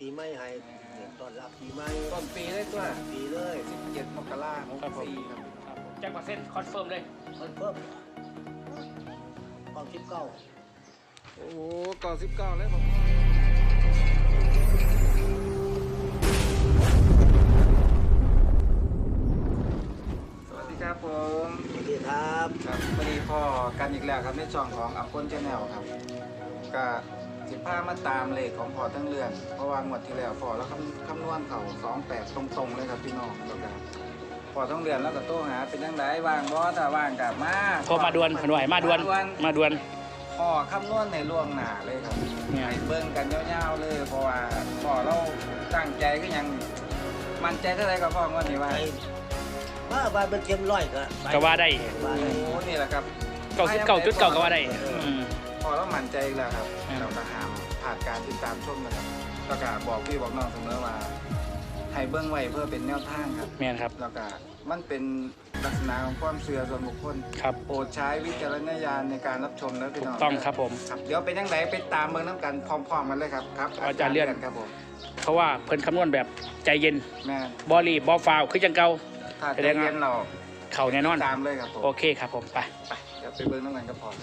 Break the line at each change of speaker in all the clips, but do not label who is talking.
ปีใหม่ให้ต้อนรับปีใหม่
ต้นปีเลยตัว
ปีเลย
17 มกราคม 64ครับ
แจ็คมาเซ็นคอนเฟิร์มเลย
มันเพิ่มความคิดเก้า
โอ้ก่อ19เลยผมสวัสดีครับผม
สวัสดีครับ
ครับวันนี้พ่อกันอีกแล้วครับในช่องของอัพพลชาแนลครับก็สิพามาตามเลขของพ่อทั้งเรือนเพราะว่างวดที่แล้วพ่อแล้วคำนวณเขา28ตรงๆเลยครับพี่น้องแล้วก็พ่อทั้งเรือนแล้วก็โต้หาเป็นยังไงว่างบ่ถ้าว่างกับมา
โทรมาดวนขนวยมาดวนมาดวน
พ่อคำนวณในล่วงหน้าเลยครับ
เนี่ย
ให้เบิ่งกันยาวๆเลยเพราะว่าพ่อเราตั้งใจก็ยังมั่นใจเท่าไหร่กับพ่องวดนี้ว่า
ไอ้บ้านเป็นเต็มร้อยก็
ก็ว่าได้
ว่า
โอ้
ได้
นี่แหละครับ
99.9ก็ว่าได้อืม
พอเรามั่นใจอีกแล้วครับ
อืม
เราก็ห้ามผ่านการติดตามชมนะครับแล้วก็บอกพี่บอกน้องเสมอว่าให้เบื้องไว้เพื่อเป็นแนวทางครับ
แม่นครับ
แล้วก็มันเป็นลักษณะของความเชื่อส่วนบุคคล
ครับ
โปรดใช้วิจารณญาณในการรับชมนะพี่น้อง
ต้องครับผม
ครับเดี๋ยวเป็นยังไงไปตามเบื้องน้ำกันพร้อมๆกันเลยครับครับ
อาจารย์เลื่อน
ครับผม
เพราะว่าเพิ่นคำนวณแบบใจเย็น
แม่
บอรีบบอฟาวคือจังเก่า
ถ้า
แส
จะ
ดงว่า
เรียนเรา
เข่าแน่นอน
ตามเลยครับผม
โอเคครับผมไป
ไปเดี๋ยวไปเบื้องน้ำกันก็พอ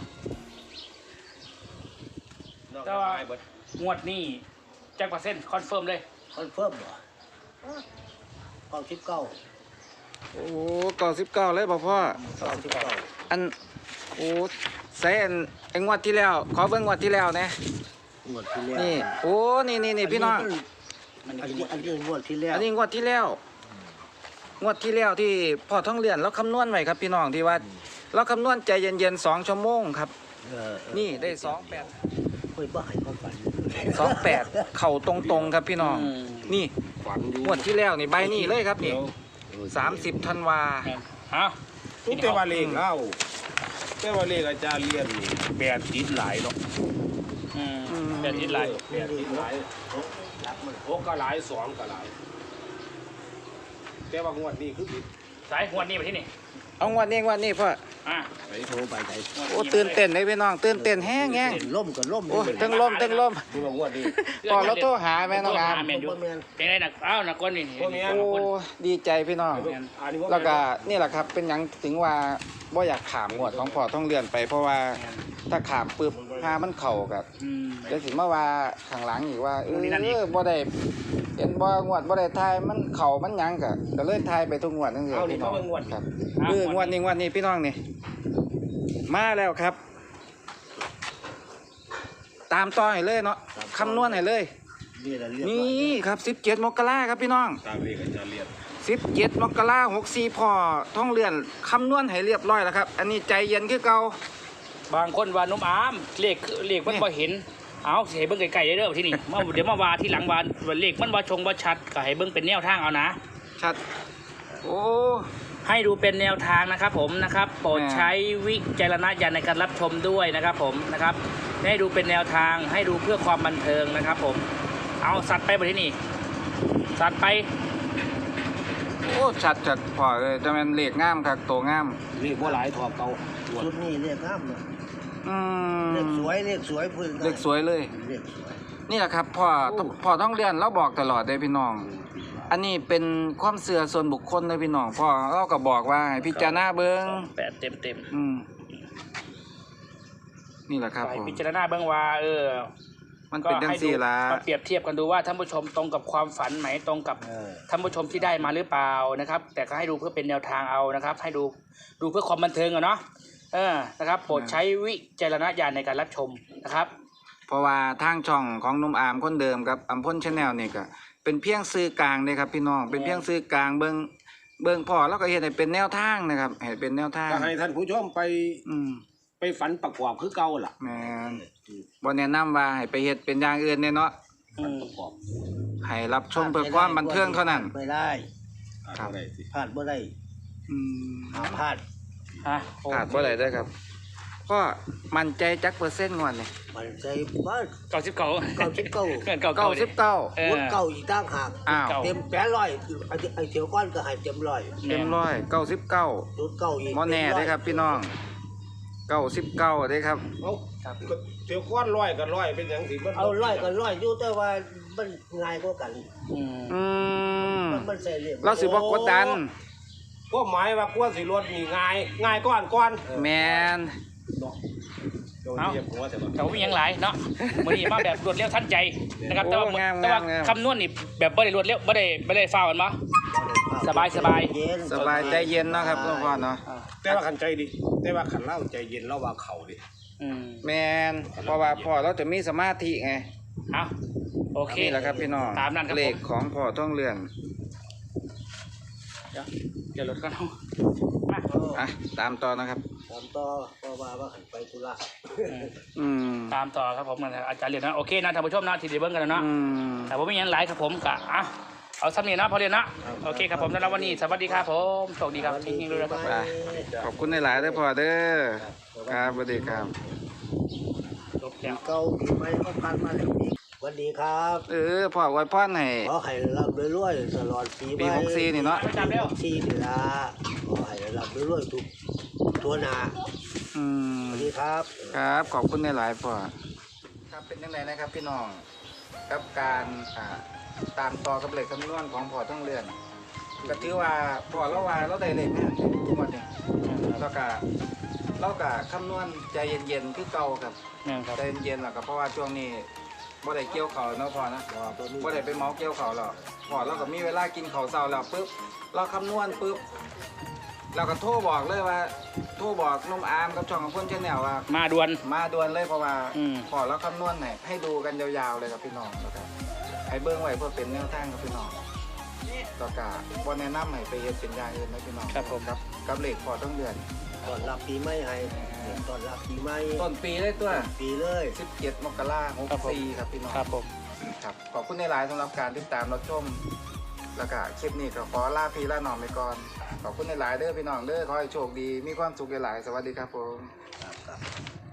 แต่ว่างวดนี้แจ็คมาเซ็นคอนเฟิร์มเลย
คอนเฟิร์มบ่ความคิดเก้า
โอ้ก่อ19เลยบอกพ่อ
ความคิดเก้า
อันโอ้ใส่อันงวดที่แล้ว ขอเบิ่งงวดที่แล้วนะ
งวดที่แล้ว
นี่โอ้นี่พี่น้อง
อันนี้งวดที่แล้ว
อันนี้งวดที่แล้วงวดที่แล้วที่พ่อท่องเรียนเราคำนวณไว้ครับพี่น้องที่ว่าเราคำนวณใจเย็นๆ2 ชั่วโมงครับ นี่ได้28
เฮ้ยบ่ให้ความฝัน
28เข่าตรงๆครับพี่น้อง
อืม
นี่
ฝันอยู่
งวดที่แล้วนี่ใบนี้เลยครับนี่30 ธันวา
แม่นฮะ
ทุกแต่ว่าเลขเล่าแต่ว่าเลขอาจารย์เรียนนี่แบบติดหลายเนาะ
อืมเป็นนิดไร
แบบติดหลายหกก็หลายสองก็หลายแต่ว่างวดนี้คือผิด
สายงวดนี้มาที่นี่
เอางวดนี้พ่อ
อ่ะ
ไป
โทรไปไหน
โอ้ตื่นเต้นเลยพี่น้องตื่นเต้นแห้ง
ล่มก็ล่ม
โอ้ทั้งลม
คือว่างวดนี้
พ่อเราโทรหาแม่น้องอาม
แม่นอยู่
บ่แม่น
เป็นไงนักอ้าวนักก้นนี่
พวกนี้
โอ้ดีใจพี่น้อง
อันนี้พวก
แล้วก็นี่แหละครับเป็นหยังถึงว่าบ่อยากขามงวดของพ่อต้องเลื่อนไปเพราะว่าถ้าขามปึ๊บหามันเข่ากับ
อืม
เดี๋ยวสิมาว่าข้างหลังอีกว่า
นู่นนี่นั่นอีก
บ่ได้เห็นบ่งวดบ่ได้ทายมันเข่ามันหยังก็เลยทายไปทุกงวดนั่นเอง
เอานี่
พี่น้
เขา
อง
เป็นงวด
ครับงวดนี้พี่น้องนี่มาแล้วครับ ตามต่อให้เลยเนาะคำนวณให้เลย
นี่แหละเรียก
นี่
ว่า
ครับ17 มกราครับพี่น้อง
ตามเลขอาจารย์เรียน
17 มกราคม64พ่อท่องเรือนคำนวณให้เรียบร้อยแล้วครับ อันนี้ใจเย็นคือเก่า
บางคนว่านุ่มอามเลขมันบ่เห็นเอาสิให้เบิ่งไกลๆเด้อที่นี่มาเดี๋ยวมาว่าที่หลังว่าเลขมันบ่ชงบ่ชัดก็ให้เบิ่งเป็นแนวทางเอานะ
ชัด โอ้
ให้ดูเป็นแนวทางนะครับผมนะครับโปรดใช้วิจารณญาณในการรับชมด้วยนะครับผมนะครับให้ดูเป็นแนวทางให้ดูเพื่อความบันเทิงนะครับผมเอาสัตว์ไปบนที่นี่สัตว์ไป
โอ้ชัดพ่อเลยแต่มันเลขงามครับโตงาม
เลขว่าหลายทอเก่า
ชุดนี้เรียกงามเลย
อืม
เรียกสวยเรียกสวยพื้น
เลขสวยเลย
เรียกสวย
นี่แหละครับพ่อต้องเรียนเราบอกตลอดเลยพี่น้อง อันนี้เป็นความเสื่อส่วนบุคคลเลยพี่น้องพ่อเราก็บอกว่าให้พิจารณาเบิ้ง
8เต็ม
อืมนี่แหละครับ
ไป
ผม
พิจารณาเบื้องว่า
มันเป็นจังสี่ละ
มาเปรียบเทียบกันดูว่าท่านผู้ชมตรงกับความฝันไหมตรงกับ ท่านผู้ชมที่ได้มาหรือเปล่านะครับ แต่ก็ให้ดูเพื่อเป็นแนวทางเอานะครับ ให้ดูเพื่อความบันเทิงอะเนาะนะครับโปรดใช้วิจารณญาณในการรับชมนะครับ
เพราะว่าทางช่องของหนุ่มอามคนเดิมกับอัมพลชาแนลนี่ก็เป็นเพียงสื่อกลางเลยครับพี่น้องเป็นเพียงสื่อกลางเบิ่งพ่อแล้วก็เห็นให้เป็นแนวทางนะครับให้เป็นแนวทาง
ก็ให้ท่านผู้ชมไป
อืม
ไปฝันประกอบคือเก่าล่ะ
แม่นบ่แนะนำว่าให้ไปเฮ็ดเป็นอย่างอื่นเนาะ
ฝันประกอบ
ให้รับชมเพื่อความบันเทิงเท่านั้น
ไม่ได้
ครับ
อะไรสิ
พลาดบ่ได้
อืม
หาพลาด
ขาดบ่ได้เด้อครับก็มั่นใจจักเปอร์เซ็นต์งวดนี่
มันใจบ้าน
99
99
เกิน99
99
วุ้นเก่าอีกตั้งหาก
อ้าว
เต็ม800ไอ้เถียวก้อนก็ให้เต็มร้อย
เต็มร้อย99
รุดเก่าอีก
บ่แน่เด้อครับพี่น้อง99เด้อครับ
เอาก็เที่ยวก้อนร้อยกันร้อยเป็นอย่างสิมัน
เอาร้อยก็ร้อยอยู่แต่ว่ามันง่ายกว่ากัน
อืม
อืม
มันใส่เหลี่ยม
เราสิบ่กดดัน
พวกหมายว่ากวนสิรถนี่ง่ายก้อน
แมน
เนาะโดนเหยียบหัวแต่ว่า
แต่ว่ามีอย่างหลายเนาะมื้อนี้มาแบบรวดเร็วทันใจนะครับแต่ว่า
โอ้งาม
แต่ว่าง
าม
คำนวณนี่แบบบ่ได้รวดเร็วบ่ได้ฟ้าวกันบ่ สบาย
เย็น
สบายใจเย็นเนาะครับหลวงพ่อเนาะ
แต่ว่าขันใจดีแต่ว่าขันเล่าใจเย็นเล่าว่าเข่าดิ
อืม
แมนเพราะว่าพ่อเราจะมีสมาธิไง
เอาโอเค
นี่แหละครับพี่น้อง
ตามนั้นครับผม
เลขของพ่อท่องเรือน
เดี๋ยวรถก็ต้องมา
อ่ะตามต่อนะครับ
ตามต่อเพราะว่าขันไปธุระ
อืม
ตามต่อครับผมอาจารย์เรียนนะโอเคนะท่านผู้ชมนะที่ได้เบิ่งกันแล้วเนาะ
อืม
แต่ผมไม่ยังหลายครับผมกะเอาซ้ำนี่นะพอเรียนนะโอเคครับผมสำหรับวันนี้สวัสดีครับผมโชคดีครับทิ้งๆด้วยนะครับ
ไปขอบคุณหลายๆเด้อพ่อเด้อครับสวัสดีครับ
จบแล้ว
เก่าปีใหม่ก็ผ่านมาแล้วอีกสวัสดีครับ
พ่อไว้พรให้
ขอให้รับรวยๆตลอดปีให
ปี
ม่
64นี่เนาะ
ไปตามเร็ว
ที่นี่ละขอให้รับรวยๆทุกตัวหนา
อืม
สวัสดีครับ
ครับขอบคุณหลายๆพ่อครับเป็นยังไงนะครับพี่น้องกับการตามต่อกับเลขคำนวณของพ่อท่องเรือนก็ถือว่าพ่อเราว่าเราได้เลขแม่นทุกวันนี้แล้วก็เราก็คำนวณใจเย็นๆคือเก่าครับ
เนี่ยครับ
ใจเย็นๆหรอกครับเพราะว่าช่วงนี้บ่ได้เกี่ยวเขาวเนาะพ่อนะบ่ได้ไปเมาเกี่ยวเขาวหรอกพ่อเราก็มีเวลากินข้าวเช้าแล้วปุ๊บเราคำนวณปุ๊บเราก็โทรบอกเลยว่าโทรบอกนุ่มอามกับช่องของเพื่อนชาแนลว่า
มาด่วน
มาด่วนเลยเพราะว่า
อืม
พอเราคำนวณให้ดูกันยาวๆเลยครับพี่น้องแล้วก็ให้เบิ้งไว้เพื่อเป็นแนวทางกับพี่น้องแล้วก็บ่แนะนำให้ไปเฮ็ดเป็นอย่างอื่นนะพี่น้อง
ครับผม
กับเลขพอต้องเดือน
ตอนรับปีใหม่ให้ตอนรับปีใหม่
ต้นปีเลยตัว
ปีเลย
17 มกราคม
ครับผม
64ครับพี่น้อง
ครับผม
ครับขอบคุณในหลายๆสำหรับการติดตามรับชมแล้วก็คลิปนี้ก็ขอลาพี่ลาน้องไปก่อนขอบคุณในหลายๆเด้อพี่น้องเด้อขอให้โชคดีมีความสุขหลายๆสวัสดีครับผม
ครับ